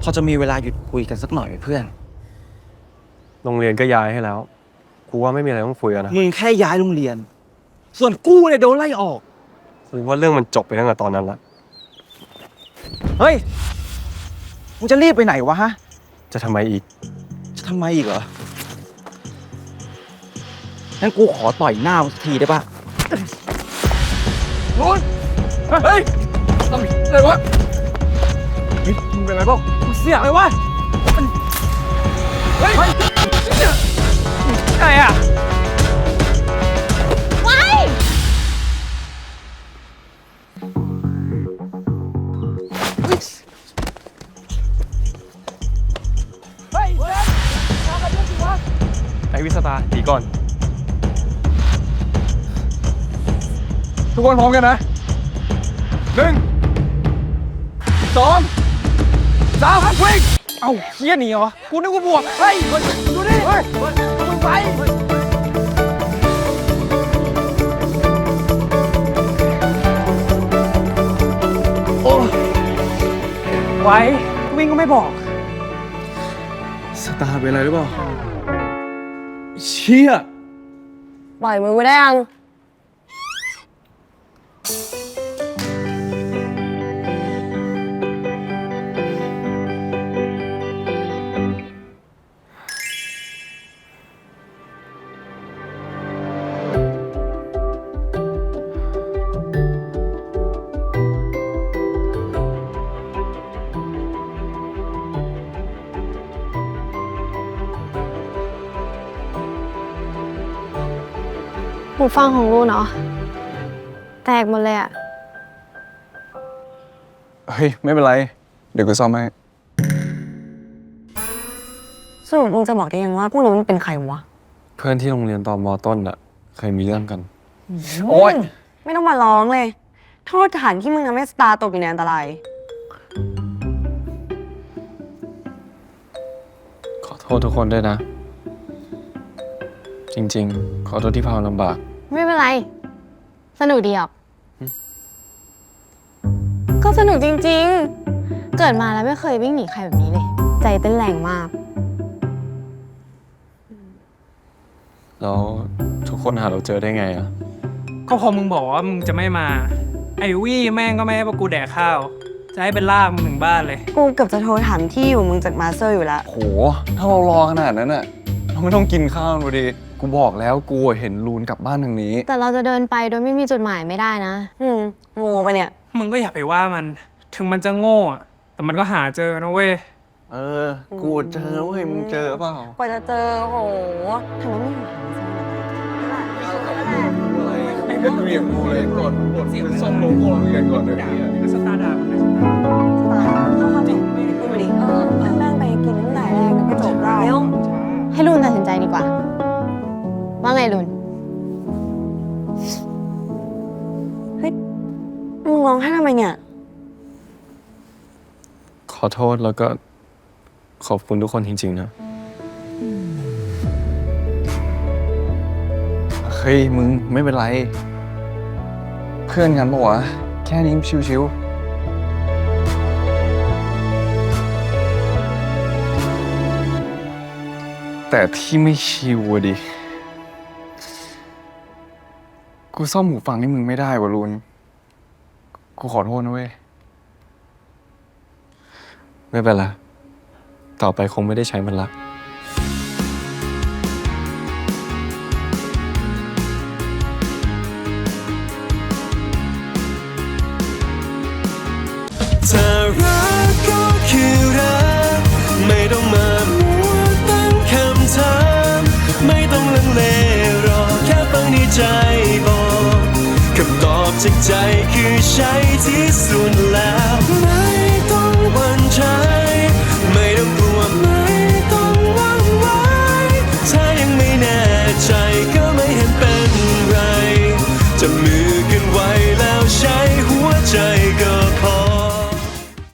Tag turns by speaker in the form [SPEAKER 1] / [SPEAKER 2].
[SPEAKER 1] อจะมีเวลาหยุดคุยกันสักหน่อยไหมเพื่อน
[SPEAKER 2] โรงเรียนก็ย้ายให้แล้วกูว่าไม่มีอะไรต้องคุยกันนะ
[SPEAKER 1] มึงแค่ย้ายโรงเรียนส่วนกูเนี่ยโดนไล่ออก
[SPEAKER 2] หรือว่าเรื่องมันจบไปตั้งแต่ตอนนั้นละ
[SPEAKER 1] เฮ้ยมึงจะรีบไปไหนวะฮะ
[SPEAKER 2] จะทำไมอีก
[SPEAKER 1] จะทำไมอีกเหรองั้นกูขอต่อยหน้ามึงสักทีได้ปะโน้นเฮ้ยทำอะไรวะมึงเป็นไรบ้างมึงเสียอะไรวะเฮ้ยอะไรอ่ะ
[SPEAKER 3] ว้าย
[SPEAKER 2] ไอวิสตาตีก่อน
[SPEAKER 1] ทุกคนพร้อมกันนะ1 2 3วิ่งเอ้าเฮี้ยหนีเหรอกูนึกว่าบวกเฮ้ยดูดิเฮ้ยมึงไปโอ้ไว้วิ่งก็ไม่บอกสตาร์เป็นอะไรหรือเปล่าเชี่ย
[SPEAKER 3] ปล่อยมือไม่ได้ยังหูฟังของลูเนาะแตกหมดเลยอะ
[SPEAKER 4] เฮ้ยไม่เป็นไรเดี๋ยวกูซ่อมให้
[SPEAKER 3] สรุปมึงจะบอกได้ยังว่าพวกเรามันเป็นใครวะ
[SPEAKER 2] เพื่อนที่โรงเรียนตอนม.ต้นอะเคยมีเรื่องกัน
[SPEAKER 1] โอ๊ย
[SPEAKER 3] ไม่ต้องมาร้องเลยโทษฐานที่มึงทำให้สตาร์ตกอยู่ในอันตราย
[SPEAKER 2] ขอโทษทุกคนด้วยนะจริงๆขอโทษที่พาลำบาก
[SPEAKER 3] ไม่เป็นไรสนุกดีอ่ะก็สนุกจริงๆเกิดมาแล้วไม่เคยวิ่งหนีใครแบบนี้เลยใจเต้นแรงมาก
[SPEAKER 2] แล้วทุกคนหาเราเจอได้ไงอะ
[SPEAKER 5] ก็พอมึงบอกว่ามึงจะไม่มาไอวี่แม่งก็ไม่ให้พวกกูแดกข้าวจะให้เป็นลากมึงถึงบ้านเลย
[SPEAKER 3] กูเกือบจะโทรถามที่อยู่มึงจากมาสเตอร์อยู่แล้ว
[SPEAKER 4] โหถ้าเรารอขนาดนั้นน่ะเราไม่ต้องกินข้าวดูดิกูบอกแล้วกูเห็นลูนกลับบ้านทางนี้
[SPEAKER 3] แต่เราจะเดินไปโดยไม่มีจุดหมายไม่ได้นะโง่ปะเนี่ย
[SPEAKER 5] มึงก็อย่าไปว่ามันถึงมันจะโง่อะแต่มันก็หาเจอนะเว้ย
[SPEAKER 4] กูเจอเว้ยมึงเจอเปล่าก
[SPEAKER 3] ว่าจะเจอโหทำไมไม่หา
[SPEAKER 4] ไอ้ก็เรียกกูเลยก่อนบทซ่อมโลโก้เรียนก่อนเลย
[SPEAKER 5] สตาร์ดามันนะ
[SPEAKER 3] เขาจริงไม่ดูดินั่งไปกินตั้งแต่แรกก็จบแล้วให้ลุนตัดสินใจดีกว่าว่าไงลุนเฮ้ยมึงร้องไห้ทำไมเนี่ย
[SPEAKER 2] ขอโทษแล้วก็ขอบคุณทุกคนจริงๆนะ
[SPEAKER 4] เฮ้ยมึงไม่เป็นไรเพื่อนกันปะวะแค่นี้ชิวๆแต่ที่ไม่ชิวอะดิกูซ่อมหูฟังให้มึงไม่ได้วะลุนกูขอโทษนะเว้ย
[SPEAKER 2] ไม่เป็นไรต่อไปคงไม่ได้ใช้มันละ
[SPEAKER 6] เธอรักก็คือรักไม่ต้องมามัวตั้งคำถามไม่ต้องลังเลรอแค่ฟังในใจบอกคำตอบจากใจคือใช่ที่สุดแล้ว